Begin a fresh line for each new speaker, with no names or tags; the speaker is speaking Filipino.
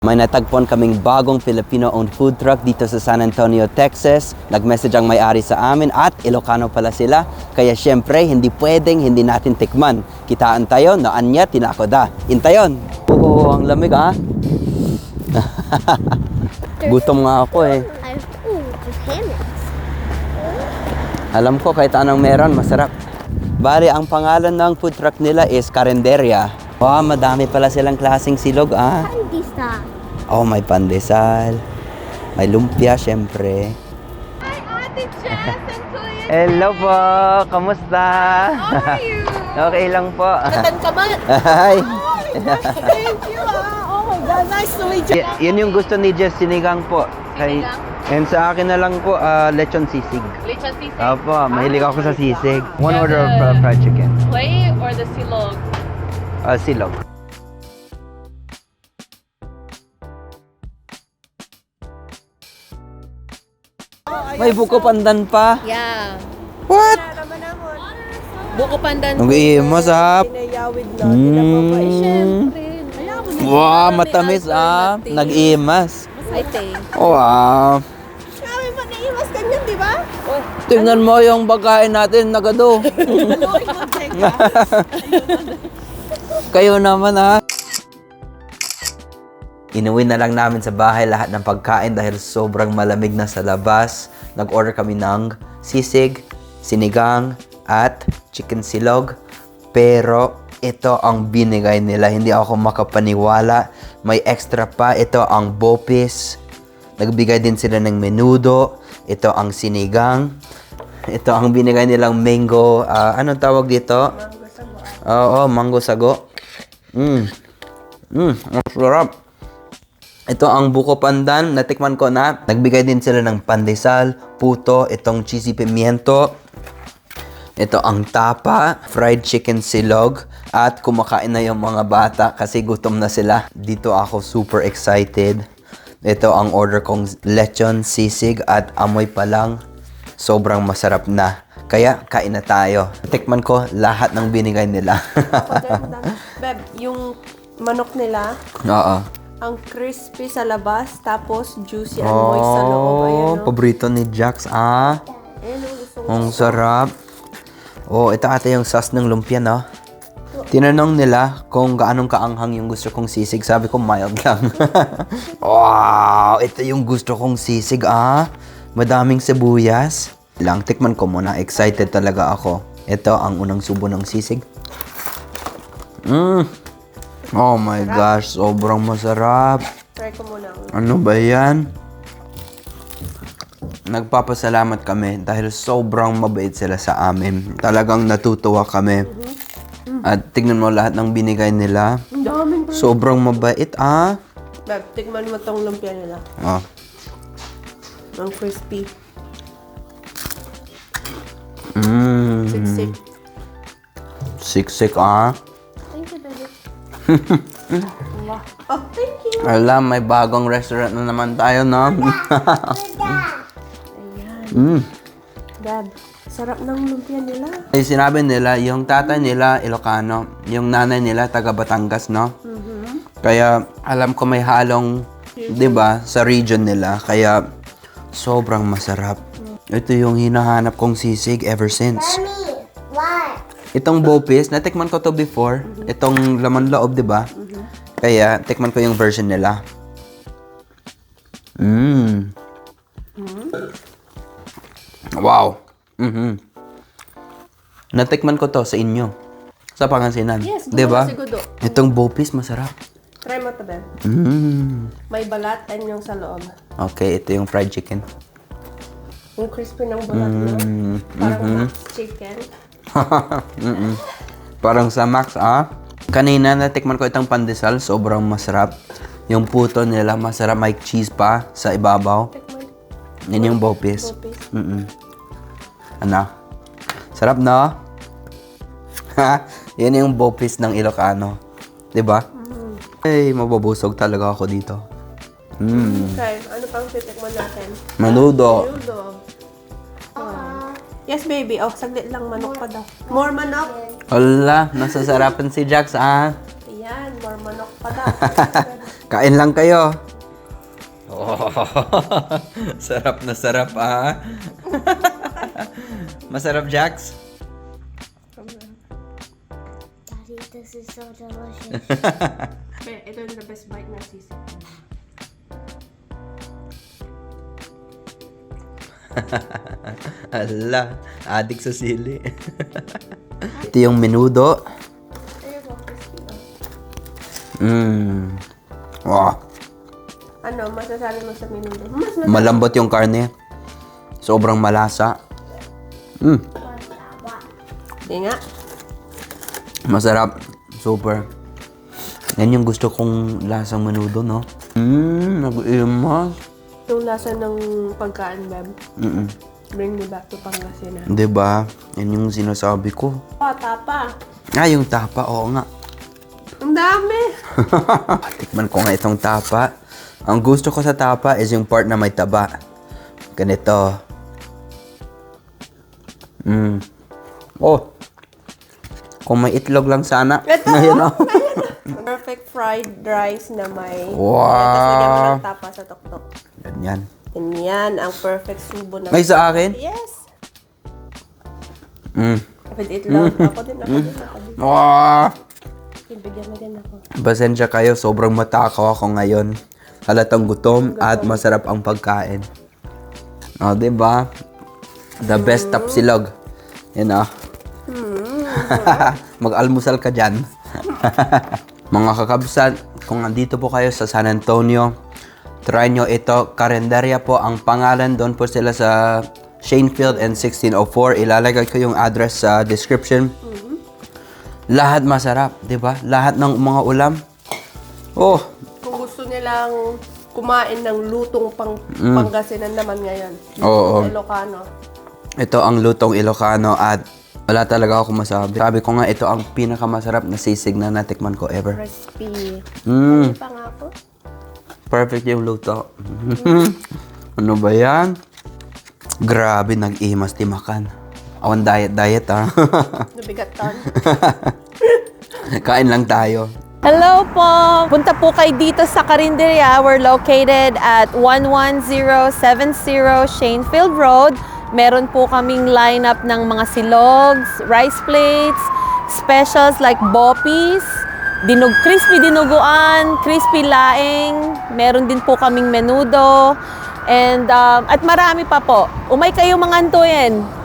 May natagpuan kaming bagong Filipino-owned food truck dito sa San Antonio, Texas. Nag-message ang may-ari sa amin at Ilocano pala sila. Kaya syempre, hindi pwedeng hindi natin tikman. Kitaan tayo, naan niya, tinakoda. Intayon! Oo, ang lamig Gutom nga ako eh. Alam ko kahit anong meron, masarap. Bali, ang pangalan ng food truck nila is Carinderia. Wow, madami pala silang klaseng silog
Pandesal.
Oh, may pandesal. May lumpia, syempre.
Hi, Ate Jess and Kuya.
Hello po! Kamusta?
How are you?
Okay lang po.
Natan ka man?
Hi!
Thank you. Oh my God, nice to meet you.
Yun yung gusto ni Jess, sinigang po.
Sinigang?
And sa akin na lang po, lechon sisig.
Lechon sisig?
Opo, mahilig ako sa sisig. One
Yeah,
order of
the-
fried chicken.
Play or the silog?
Silog. May buko pandan pa.
Yeah.
What?
Buko pandan.
Nag-iimasap.
Pinayawid na.
Siyempre.
Wow, matamis Nag-iimas.
I think.
Wow.
Sabi mo, naiwas ganyan, di ba?
Tingnan mo yung pagkain natin, nagado. Kayo naman Inuwi na lang namin sa bahay lahat ng pagkain dahil sobrang malamig na sa labas. Nag-order kami ng sisig, sinigang, at chicken silog. Pero ito ang binigay nila. Hindi ako makapaniwala. May extra pa. Ito ang bopis. Nagbigay din sila ng menudo. Ito ang sinigang. Ito ang binigay nilang mango. Anong tawag dito? Mango sago. Oo, mango sago. Ang sarap. Ito ang buko pandan. Natikman ko na. Nagbigay din sila ng pandesal, puto, itong cheesy pimiento. Ito ang tapa, fried chicken silog, at kumakain na yung mga bata kasi gutom na sila. Dito ako super excited. Ito ang order kong lechon sisig at amoy pa lang sobrang masarap na. Kaya kain na tayo. Tikman ko lahat ng binigay nila.
Beb, yung manok nila,
Oo.
ang crispy sa labas, tapos juicy and moist sa loob. Ayan, no?
Paborito ni Jax,
Ayan, no? Gusto ko.
Ang sarap. Oh, ito ata yung sauce ng lumpia, no? Tinanong nila kung gaanong kaanghang yung gusto kong sisig. Sabi ko, mild lang. Wow! Ito yung gusto kong sisig, Madaming sibuyas. Tikman ko muna. Excited talaga ako. Ito ang unang subo ng sisig. Oh my gosh, sobrang masarap.
Try ko muna.
Ano ba yan? Nagpapasalamat kami dahil sobrang mabait sila sa amin. Talagang natutuwa kami. At tignan mo lahat ng binigay nila.
Ang daming crispy.
Sobrang mabait,
Beb, tikman mo tong lumpia nila.
Oh.
Ang crispy.
Siksik,
Siksik.
Thank you, baby.
Oh, thank you.
Alam, may bagong restaurant na naman tayo, no?
Ayan. Beb, sarap ng lumpia nila.
Ay, sinabi nila, yung tatay nila, Ilocano. Yung nanay nila, taga Batangas, no? Kaya, alam ko may halong, di ba, sa region nila. Kaya, sobrang masarap. Ito yung hinahanap kong sisig ever since. Itong bopis, natikman ko to before. Itong laman loob, di ba? Kaya, tikman ko yung version nila. Wow! Natikman ko to sa inyo. Sa Pangasinan.
Yes,
di ba?
gusto ko si Gudo.
Itong bopis, masarap.
Try mo to, Beb. May balat and yung sa loob.
Okay, ito yung fried chicken.
Yung crispy ng balat mo. Parang Max chicken.
Parang sa Max, Kanina, natikman ko itong pandesal. Sobrang masarap. Yung puto nila, masarap. May cheese pa sa ibabaw.
Tikman.
Yan yung bopis.
Bopis.
Ano? Sarap, no? Yan yung bopis ng Ilocano. Diba? Ay, mabubusog talaga ako dito.
Okay, ano pang titikman natin?
Menudo.
Menudo. Yes, baby. Oh, saglit lang. Manok pa daw. More manok?
Wala, nasasarapan si Jax,
Ayan, more manok pa daw.
Kain lang kayo. Oh, sarap na sarap ah. Masarap, Jax?
Daddy, this is so delicious.
Ito yung the best bite na sisig.
Ala, adik sa sili. Ito yung menudo.
Ayun po, crispy.
Wow.
Ano, masasabi mo sa menudo?
Malambot yung karne. Sobrang malasa.
Hindi nga.
Masarap. Super. Yan yung gusto kong lasang menudo, no? Nag-imas.
Yung lasa ng pagkain, Beb.
Mm-mm.
Bring me back to Pangasinan.
Diba? Yan yung sinasabi ko.
Oh, tapa.
Ah, yung tapa. Oo nga.
Ang dami.
Tikman ko nga itong tapa. Ang gusto ko sa tapa is yung part na may taba. Ganito. Oh. Kung may itlog lang sana.
Ito,
Ngayon,
oh. Perfect fried rice na may...
Wow.
Tapos lagyan mo ng tapa sa tuktok.
Ganyan.
Yan ang perfect subo ng...
May sa akin?
Yes.
Mm.
With itlog. Ako din.
Wow.
Ibigyan mo din ako.
Pasensya kayo, sobrang matakaw ako ngayon. Halatang gutom at masarap ang pagkain. O, diba? The best tapsilog. Yan o. Mag-almusal ka dyan. Mga kakabsat, kung nandito po kayo sa San Antonio, try nyo ito. Karendarya po ang pangalan. Doon po sila sa Shanefield and 1604. Ilalagay ko yung address sa description. Lahat masarap, di ba? Lahat ng mga ulam. Oh,
Kung gusto nilang kumain ng lutong Pangasinan naman ngayon.
Oo.
Ilocano.
ito ang lutong Ilocano at wala talaga ako masabi. Sabi ko nga, ito ang pinakamasarap na sisig na natikman ko ever.
Crispy.
Mm,
Pa nga ako.
perfect yung luto. Ano ba yan? Grabe, nag-ihimas timakan. Awan diet ha.
Nabigat ton.
Kain lang tayo.
Hello po! Punta po kayo dito sa Carinderia. We're located at 11070 Shanefield Road. Meron po kaming lineup ng mga silogs, rice plates, specials like boppies, crispy dinuguan, crispy laing. Meron din po kaming menudo. And, at marami pa po. Umay kayo mga antuyin.